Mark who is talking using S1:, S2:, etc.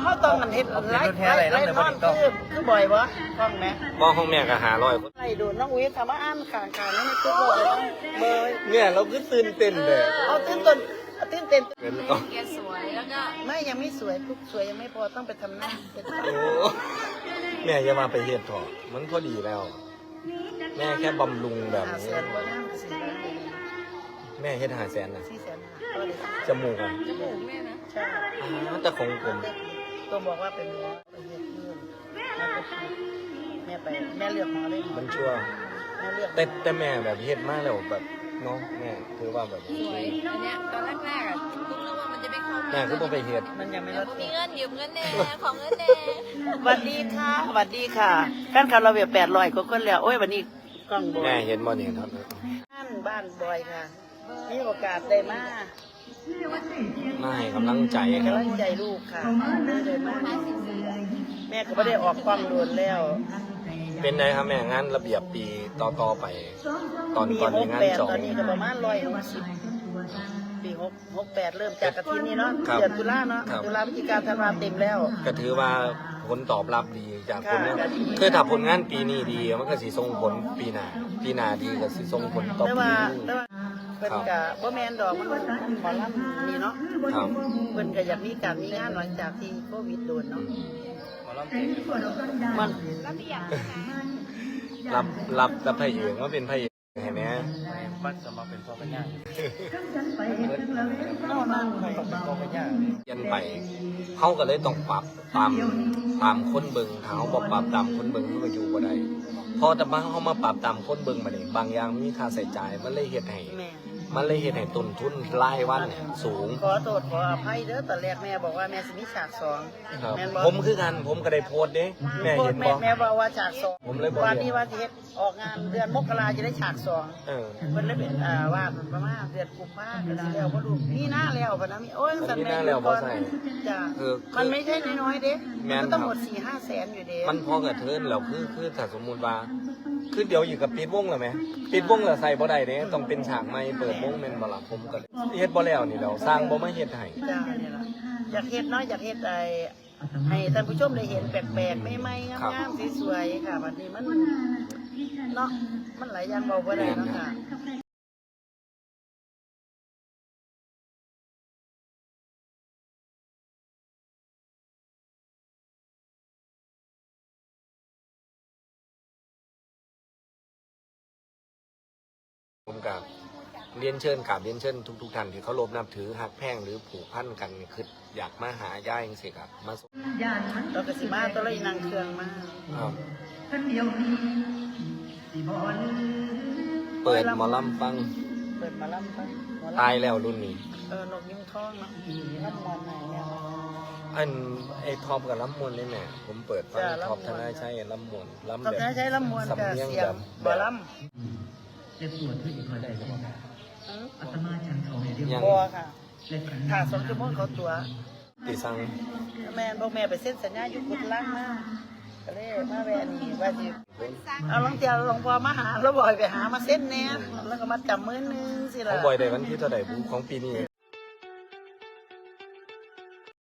S1: เขาต้องมันเห็ดไล่นอนคือบ่อยบ่ฟังไหม
S2: บ่ของแม่ก็500คน
S1: ไล่ดูน้องอุ้ยทำมาอ่านข่าวๆนั่นมันคือบ่อยเบย
S2: เนี่ยเราคือตื่นเต้นเลย
S1: เอาตื่นเต้น
S2: เป็นก็
S3: แกสวยแล้วก็
S1: ไม่ยังไม่สวยทุกสวยยังไม่พอต้องไปทำหน้าเป็น
S2: โอ้แม่อย่ามาไปเฮ็ดเถอะมันพอดีแล้ว แม่แค่บำรุงแบบ
S1: 5
S2: นี้
S1: แสนกว่าน้ำ4 ล้าน
S2: แม่เฮ็ด500,000นะ
S1: 4 แสนก็เลย
S2: จมูกอ่ะ
S3: จมูกแม่นะ
S1: ใช่
S2: แต่ของผม
S1: ตัวบอกว่าเป็นหมอไปเฮ็ดเงินแล้วก็แม่ไปแม่เลือกหมอเลย
S2: มันชั่ว
S1: แม่เลือก
S2: แต่แม่แบบเฮ็ดมาแล้วแบบเนาะแม่ถือว่าแบบ
S3: สวยอันเนี้ยตอนแรกๆอ่ะคุณนึกว่ามันจะไม่เข้า
S2: แม่ก็บ่ไปเฮ็ด
S1: มันยังไม่
S3: แล้
S1: ล
S3: ว
S1: ด
S3: ก็มีเงินยืมเงินแน่ของเงินแน่
S1: สวัสดีค่ะสวัสดีค่ะแฟนคลับเราเบีย800กว่าคนแล้วโอ้ยวันนี้กล้องบอ
S2: แม่
S1: ย
S2: เห็นบ่นี่ครับ
S1: บ้านบอยค่ะมีโอกาสได้มา
S2: มาให้กำลังใจครั
S1: กำ
S2: บ
S1: ลังใจลูกค่ะได้มาแม่ก็ไม่ได้ออกกล้องโดนแล้ว
S2: เป็นไงครับแม่งานระเบียบปีต่อไป ตอน
S1: ปี
S2: นี้งานจ
S1: 68
S2: อง
S1: ตอนนี้ก็ประมาณ160ปี68เริ่มจากกะทินี่เนาะ
S2: ครับ
S1: เดือนตุลาเนาะ
S2: ครับ
S1: ตุลาพฤศจิกาธันวาเต็มแล้ว
S2: ก็ถือว่าผลตอบรับดีจากคนเนี่ย
S1: ค่ะ
S2: คือถ้าผลงานปีนี้ดีมันก็สิส่งผลปีหน้าดีก็สิส่งผลต่อ
S1: แต่
S2: ปี
S1: ว่า
S2: นี้
S1: แต่ว่าเพิ่นก็บ่แม่นดอกมันหมอลำนี่เนาะ
S2: ครับ
S1: เพิ่นก็อยากมีการมีงานหลังจากที่โควิดโดนเนาะมัน
S3: ระเบียบ
S2: รับพระเอกมาเป็นพระเอกให้แม่
S4: มันจะมาเป็นพ่อเป็นย่า
S1: เนาะนั่งไป
S4: ต้องเป็นพ่อเป็นย่า
S2: เปลี่ยนไปเขาก็เลยต้องปรับตามคนเบิ่งถ้าเขาบ่ปรับตามคนเบิ่งมันก็อยู่บ่ได้พอแต่มาเขามาปรับตามคนเบิ่งมานี่บางอย่างมีค่าใช้จ่ายมันเลยเฮ็ดให้
S1: แม่
S2: ต้นทุนรายวันเนี่ยสูง
S1: ขอโทษขออภัยเด้อตอนแรกแม่บอกว่าแม่สิมีฉากสอง
S2: ครับ
S1: แม่นบ่
S2: ผมคือกันผมก็ได้โพสต์เด้แม่เห็นบ่
S1: แม่บอกว่าฉากสอง
S2: ผมเลยบอก
S1: วันนี้ว่าสิเฮ็ดออกงานเดือนมกราจะได้ฉากสอง
S2: เออ
S1: เพิ่นเลยเป็นว่าประมาณเดือนกุมภาพันธ์ก็สิแล้วบ่รู้มีหน้าแล้วปะนะมีโอ้ยสั่น
S2: มีหน้าแล้วบ่ใส่
S1: จ้ะ
S2: คือ
S1: มันไม่ใช่น้อยๆเด้
S2: แม่น
S1: มันต้อง
S2: ครับ
S1: หมด 4-5 แสนอยู่เด้
S2: มันพอกระเทินแล้วคือถ้าสมมุติว่าคือเดี๋ยวอยู่กับปิดวงแล้วไหมปิดวงแล้วใส่บ่ได้เด้ต้องเป็นฉากใหม่เปิดวงแม่นบ่ล่ะผมก็เลยเฮ็ดบ่แล้วนี่แล้วสร้างบ่มาเฮ็ดให้
S1: จ้าเนี่ยล่ะอยากเฮ็ดเนาะอยากเฮ็ดให้ท่านผู้ชมได้เห็นแปลกๆใหม่ๆงามๆสวยๆค่ะวันนี้มันเนาะมันหลายอย่างเบาบ่ได้เนาะค่ะ
S2: ผมกับเรียนเชิญกับเรียนเชิญทุกท่านที่เคารพนับถือหักแพงหรือผูกพันกันคืออยากมาหาย่าจังซี่ครับมาส่ง
S1: เราก็สิมาตัวเลยนั่งเครื่องมา
S2: ครับ เปิดหมอลำฟัง
S1: เปิดมาล่ำไปหมอลำ
S2: ตายแล้วรุ่นนี้
S1: นกยิ้มทองเนาะล่ำมอนไหนเนี่ย
S2: อันไอ้ท็อปกับลำมวนนี่แม่ผมเปิดฟัง
S1: จ้ะลำมวล
S2: ท็อปธนาชัยลำมวนลำ
S1: ตอน
S2: แบบ
S1: นั้นใช้ลำมวนกับ
S2: สำเนียง
S1: เสีย
S2: แบ
S1: ง
S2: บ
S1: บ่ล่
S4: เจ็บปวดที่อีกคนใดจะบอก
S1: ำ
S4: อาตมาฉันเขาในเดียว
S2: ยัง
S1: บัวค่ะถ้า2 ชั่วโมงเขาตัว
S2: ติสั่ง
S1: แม่บอกแม่ไปเซ็นสัญญาอยู่กุดลังนะก็เลยมาแวะนี่ว่าสิเอาลองเตียวหลวงพ่อมาหาแล้วบ่อยไปหามาเซ็นแน่แล้วก็มาจับมือนึงสิ
S2: ขอ
S1: ล่ะ
S2: งบอยได้วันที่เท่าไหร่ของปีนี้